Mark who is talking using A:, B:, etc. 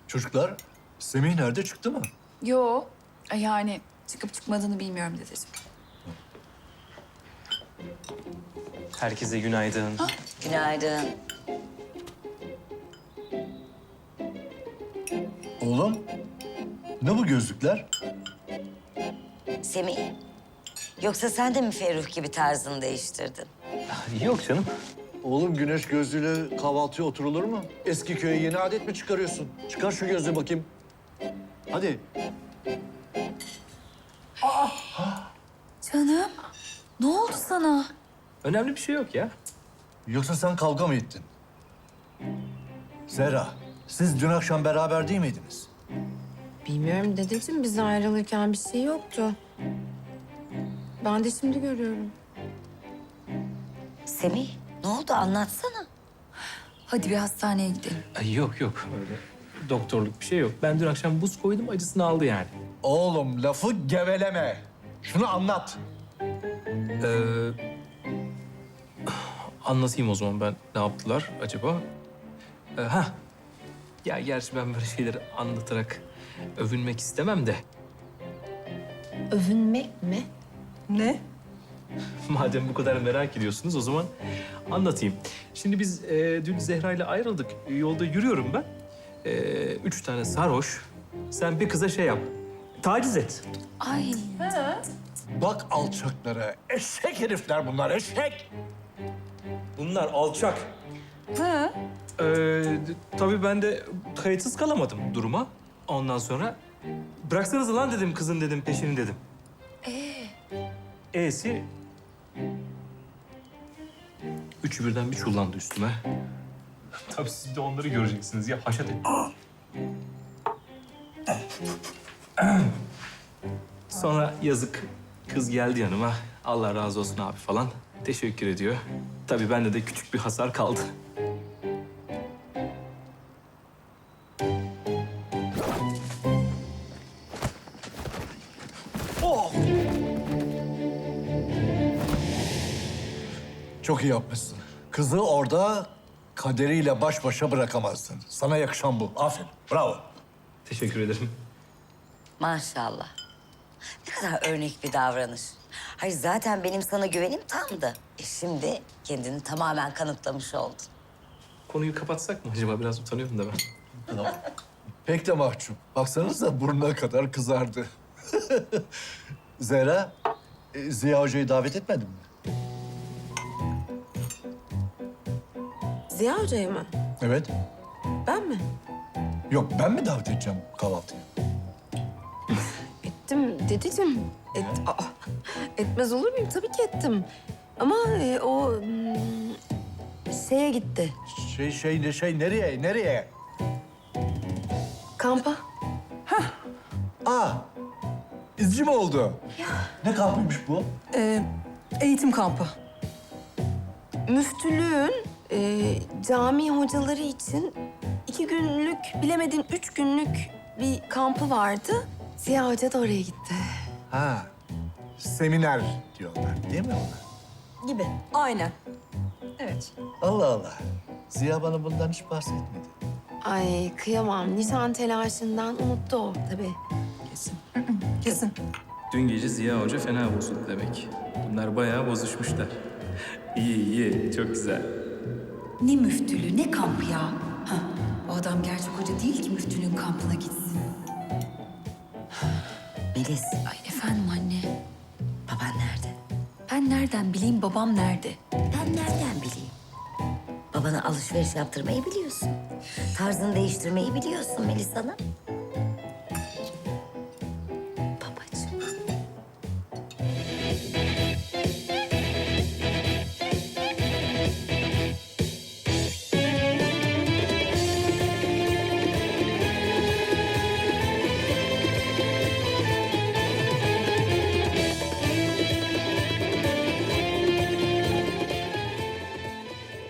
A: Çocuklar, Semih nerede, çıktı mı?
B: Yo, yani çıkıp çıkmadığını bilmiyorum dedeciğim.
C: Herkese günaydın.
D: Günaydın.
A: Oğlum, ne bu gözlükler?
D: Semih, yoksa sen de mi Ferruh gibi tarzını değiştirdin?
C: Yok canım.
A: Oğlum, güneş gözlüğüyle kahvaltıya oturulur mu? Eski köye yeni adet mi çıkarıyorsun? Çıkar şu gözlüğü bakayım. Hadi.
B: Canım, ne oldu sana?
C: Önemli bir şey yok ya.
A: Yoksa sen kavga mı ettin? Zehra, siz dün akşam beraber değil miydiniz?
E: Bilmiyorum dedeciğim, biz ayrılırken bir şey yoktu. Ben de şimdi görüyorum.
D: Semih, ne oldu anlatsana.
B: Hadi bir hastaneye gidelim.
C: Yok yok. Öyle doktorluk bir şey yok. Ben dün akşam buz koydum, acısını aldı yani.
A: Oğlum, lafı geveleme. Şunu anlat.
C: Anlatayım o zaman ben ne yaptılar acaba? Ya gerçi ben böyle şeyleri anlatarak övünmek istemem de.
E: Övünmek mi?
B: Ne?
C: Madem bu kadar merak ediyorsunuz o zaman anlatayım. Şimdi biz dün Zehra ile ayrıldık. Yolda yürüyorum ben. 3 tane sarhoş. Sen bir kıza şey yap. Taciz et.
B: Ay,
A: Bak alçaklara. Eşek herifler bunlar, eşek.
C: Bunlar alçak.
B: hı?
C: Tabii ben de kayıtsız kalamadım duruma. Ondan sonra bıraksanız lan dedim kızın dedim peşini dedim. E'si üçü birden bir çullandı üstüme. Tabii siz de onları göreceksiniz ya haşat et. Sonra yazık kız geldi yanıma. Allah razı olsun abi falan. Teşekkür ediyor. Tabii bende de küçük bir hasar kaldı.
A: Çok iyi yapmışsın. Kızı orada kaderiyle baş başa bırakamazsın. Sana yakışan bu. Aferin, bravo.
C: Teşekkür ederim.
D: Maşallah. Ne kadar örnek bir davranış. Hayır zaten benim sana güvenim tamdı. Şimdi kendini tamamen kanıtlamış oldun.
C: Konuyu kapatsak mı acaba? Biraz utanıyorum da ben.
A: Pek de mahcup. Baksanıza burnuna kadar kızardı. Zehra, Ziya Hoca'yı davet etmedin mi?
E: Ziya Hoca'yı mı?
A: Evet.
E: Ben mi?
A: Yok, ben mi davet edeceğim kahvaltıya?
E: Ettim dedeciğim. Etmez olur muyum? Tabii ki ettim. Ama o şeye gitti.
A: Nereye?
E: Kampa.
A: Aa, izci mi oldu? Ne kampıymış bu?
B: Eğitim kampı.
E: Müftülüğün cami hocaları için 2 günlük, bilemedin 3 günlük bir kampı vardı. Ziya Hoca da oraya gitti.
A: Ha, seminer diyorlar değil mi ona?
E: Gibi.
B: Aynen. Evet.
A: Allah Allah. Ziya bana bundan hiç bahsetmedi.
E: Ay kıyamam. Nişan telaşından unuttu o tabii.
B: Kesin.
C: Dün gece Ziya Hoca fena bozuldu demek. Bunlar bayağı bozuşmuşlar. İyi, çok güzel.
B: Ne müftülüğü, ne kampı ya? Ha, o adam gerçek hoca değil ki müftülüğün kampına gitsin.
D: Melis,
B: Ay efendim anne.
D: baban nerede?
B: Ben nereden bileyim babam nerede?
D: Ben nereden bileyim? Babana alışveriş yaptırmayı biliyorsun. Tarzını değiştirmeyi biliyorsun Melis Hanım.